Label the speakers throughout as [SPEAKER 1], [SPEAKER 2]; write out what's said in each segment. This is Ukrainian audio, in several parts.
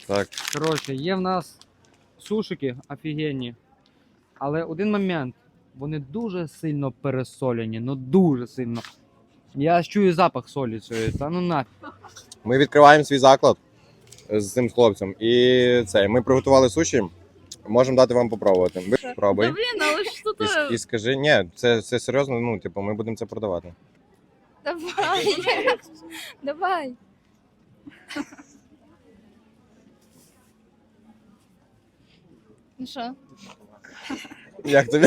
[SPEAKER 1] Так.
[SPEAKER 2] Коротше, є в нас сушики офігенні, але один момент. Вони дуже сильно пересолені, ну дуже сильно. Я аж чую запах солі цієї, та ну нафіг.
[SPEAKER 1] Ми відкриваємо свій заклад з цим хлопцем. І це, ми приготували суші. Можемо дати вам попробувати. Ви
[SPEAKER 3] Да
[SPEAKER 1] пробуй.
[SPEAKER 3] блин, а вы что-то...
[SPEAKER 1] І скажи, ні, це серйозно, ну, типу, ми будемо це продавати.
[SPEAKER 3] Давай. Давай. Ну що?
[SPEAKER 1] Як тобі?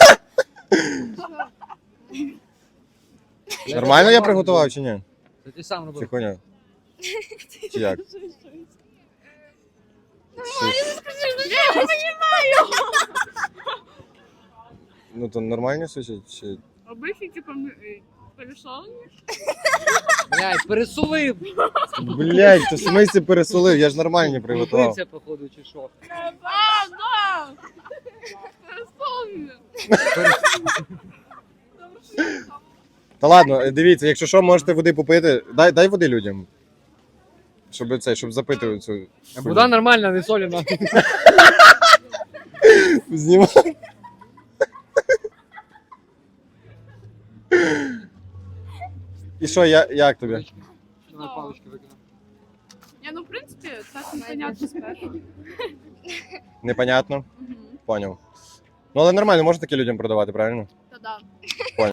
[SPEAKER 1] Нормально я приготував чи ні?
[SPEAKER 2] Це ти сам
[SPEAKER 1] Чи
[SPEAKER 2] робив.
[SPEAKER 1] хуйня? Чи як? Ну то нормальні суші? Чи...
[SPEAKER 3] Обычный, типа, пересоленный.
[SPEAKER 2] Блядь, пересолив!
[SPEAKER 1] Блять, то в смислі пересолив, я ж нормальні приготував.
[SPEAKER 2] Бився, походу, чи що?
[SPEAKER 3] Да! Пересоленный.
[SPEAKER 1] Та ладно, дивіться, якщо що, можете води попити. Дай води людям. Щоб запити цю.
[SPEAKER 2] Вода нормальна, не соліна.
[SPEAKER 1] Знімай. І що, як тобі?
[SPEAKER 2] Давай палички викину.
[SPEAKER 3] Не, ну, в принципе, так непонятно спершу.
[SPEAKER 1] Непонятно? Поняв. Ну але нормально, можна таке людям продавати, правильно?
[SPEAKER 3] Да-да.